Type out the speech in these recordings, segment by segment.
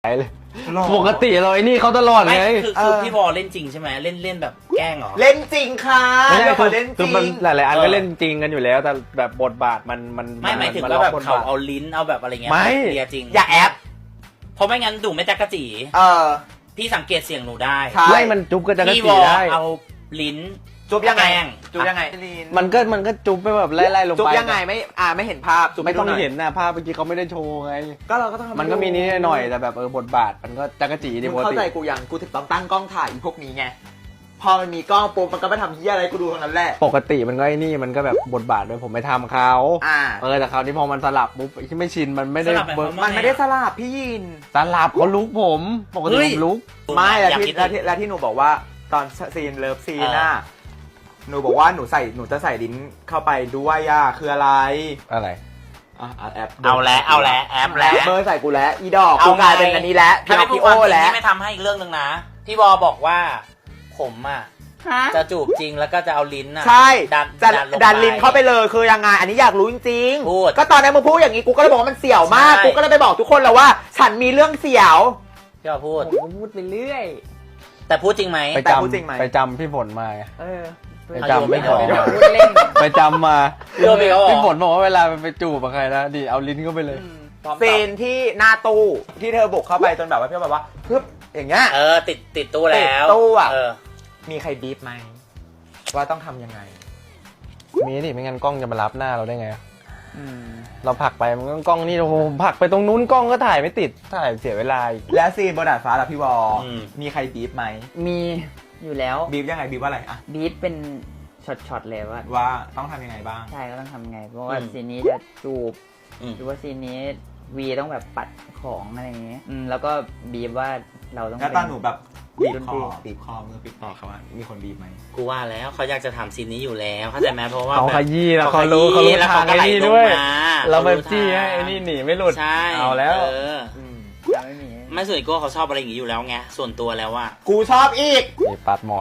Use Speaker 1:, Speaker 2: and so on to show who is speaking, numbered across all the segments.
Speaker 1: เลยปกติเราไอ้นี่เขาตลอดไง
Speaker 2: คือพี่บอลเล่นจริงใช่ไหมเล่นแบบแกล้งเหรอ
Speaker 3: เล่นจริงค่ะ
Speaker 1: ไม่ใช่
Speaker 3: คือเล่นจ
Speaker 1: คือ
Speaker 3: ริ
Speaker 1: มัน
Speaker 3: ง
Speaker 1: หลายๆอันก็เล่นจริงกันอยู่แล้วแต่แบบบทบาทมัน
Speaker 2: ไม่หมายถึงว่าแบบเขาเอาลิ้นเอาแบบอะไรเงี้ย
Speaker 1: ไม่
Speaker 2: เลียจริง
Speaker 3: อย่าแอป
Speaker 2: เพราะไม่งั้นดูไม่จักระจี พี่สังเกตเสียงหนูได้
Speaker 1: ไม่มันจุ๊บก็จะกระ
Speaker 2: พี่
Speaker 1: สี
Speaker 2: บอล
Speaker 1: ได้
Speaker 2: เอาลิ้น
Speaker 3: จุบยังไง
Speaker 2: แกล้ง
Speaker 3: จุบยังไง
Speaker 1: มันก็จุ๊บไปแบบไล่ๆลงไป
Speaker 3: จุบยังไงไม่เห็นภาพจุบ
Speaker 1: ไม่ต้อง
Speaker 3: ดูย
Speaker 1: เห็นนะภาพเมื่อกี้เขาไม่ได้โชว์ไง
Speaker 3: ก็เราก็ต้องทำ
Speaker 1: มันก็มีนิดหน่อยแต่แบบบทบาทมันก็จักระจีดี
Speaker 3: มึ
Speaker 1: ป
Speaker 3: ง
Speaker 1: ก
Speaker 3: เข้า
Speaker 1: ติ
Speaker 3: ใจกูยังกูถึงต้องตั้งกล้องถ่ายอีพวกนี้ไงพอมันมีกล้องปุ๊บมันก็ไม่ทำเหี้ยอะไรกูดูเท่านั้นแหละ
Speaker 1: ปกติมันก็ไอ้นี่มันก็แบบบทบาทด้วยผมไม่ทำเขาแต่คราวนี้พอมันสลับปุ๊บที่ไม่ชินมันไม่ได้เบิร์
Speaker 3: มันไม่ได้สลับพี่ยิน
Speaker 1: สลับเขาลุกผมปกติผมลุก
Speaker 3: ไม่แล้วที่หนูบอกว่าตอนซีนเลิฟซีนน่ะหนูบอกว่าหนูจะใส่ลิ้นเข้าไปด้วยคืออะไร
Speaker 1: อะไร
Speaker 3: แอป
Speaker 2: เอาแล้วแอปแล้ว
Speaker 3: เบอร์ใส่กูแล้วอีดอกกูกลายเป็นอันนี้แล้ว
Speaker 2: ถ้าไม่พูด
Speaker 3: พี่
Speaker 2: ความจริง
Speaker 3: แล้ว
Speaker 2: นี่ไม่ทำให้อีกเรื่องนึงนะพี่บอลบอกว่าผมจะจูบจริงแล้วก็จะเอาลิ้น
Speaker 3: ใช่ดัน
Speaker 2: ลงไป
Speaker 3: ลิ้นเข้าไปเลยคือยังไงอันนี้อยากรู้จริง
Speaker 2: พูด
Speaker 3: ก็ตอนนั้นมึงพูดอย่างนี้กูก็เลยบอกว่ามันเสี่ยวมาก
Speaker 2: ใช่
Speaker 3: กูก็เลยไปบอกทุกคนแล้วว่า ฉันมีเรื่องเสี่ยว
Speaker 2: พี่บอลพูด
Speaker 1: ผมพูดไปเรื่อย
Speaker 2: แต่พูดจริงไหม
Speaker 3: แต่พูดจริงไหม
Speaker 1: ไปจำพี่ฝนมาไง ไป
Speaker 2: เอา
Speaker 1: จำ
Speaker 2: ไม่
Speaker 1: พี่ฝ
Speaker 2: เอา
Speaker 1: น
Speaker 2: พูดเล่น
Speaker 1: ไปจำมา
Speaker 2: เรื่องไปเขาบอก
Speaker 1: พี่ฝนบอกว่าเวลาไปจูบกับใครนะดิเอาลิ้นเข้าไปเลย
Speaker 3: ซีนที่หน้าตู้ที่เธอบุกเข้าไปจนแบบว่าพี่แบบว่าปึ๊บอย่างเงี้ย
Speaker 2: ติดตู้แล้ว
Speaker 3: ติดตู้อะ
Speaker 2: เออ
Speaker 3: มีใครบีบไหมว่าต้องทำยังไง
Speaker 1: มีดิไม่งั้นกล้องจะมารับหน้าเราได้ไงเราผลักไปมันก็กล้องนี่โอ้โหผลักไปตรงนู้นกล้องก็ถ่ายไม่ติดถ่ายเสียเวลาอีก
Speaker 3: และซีนบนดาดฟ้าล่ะพี่วอ
Speaker 2: อืม
Speaker 3: มีใครบีบไหม
Speaker 4: มีอยู่แล้ว
Speaker 3: บีบยังไงบีบว่าอะไรอะ
Speaker 4: บีทเป็นช็อตๆเลยว่า
Speaker 3: ว่าต้องทำยังไงบ้าง
Speaker 4: ใช่ก็ต้องทำไง เพราะว่า
Speaker 2: อืม
Speaker 4: ซีนนี้จะจูบ
Speaker 2: อืม
Speaker 4: หรือว่าซีนนี้วีต้องแบบปัดของอะไรอย่างเงี้ยแล้วก็บีบว่าเราต้อง
Speaker 3: แล้วตอนหนูแบบบีบ
Speaker 4: ดน
Speaker 3: ค
Speaker 4: ตรี
Speaker 3: อบีบคอมือบีบคอเขาว่ามีคนบีบไหม
Speaker 2: กูว่าแล้วเขาอยากจะทำซีนนี้อยู่แล้วเข้าใจไหมเพราะว่า
Speaker 1: เขา
Speaker 2: แบบ
Speaker 1: ขยี้แล้ว
Speaker 2: เขา
Speaker 1: เขารู้
Speaker 2: ขยี้แล้ว
Speaker 1: ทาง
Speaker 2: เขาก็
Speaker 1: ไอ้นี่
Speaker 2: ไหลลง
Speaker 1: ด้วย
Speaker 2: มา
Speaker 1: เราแบบ
Speaker 2: เขารู้
Speaker 1: จี้ให้
Speaker 2: ทาง
Speaker 1: ไอ้นี่หนีไม่หลุด
Speaker 2: ใช่
Speaker 1: เอาแล้ว
Speaker 4: จะไม่มี
Speaker 2: ไม่ส่วนตัวเขาชอบอะไรอย่างนี้อยู่แล้วไงส่วนตัวแล้วว่า
Speaker 3: กูชอบอีก
Speaker 1: นี่ปัดหมอน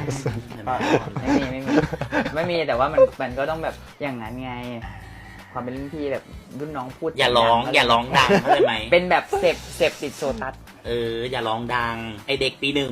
Speaker 4: ไม่มีแต่ว่ามันก็ต้องแบบอย่างนั้นไง ความเป็นรุ่นพี่แบบรุ่นน้องพูด
Speaker 2: อย่าร้อง
Speaker 4: ดังๆ
Speaker 2: อย่าร้องดังเข้าใจไหม
Speaker 4: เป็นแบบเสพติดโซตัส
Speaker 2: อย่าร้องดังไอเด็กปี 1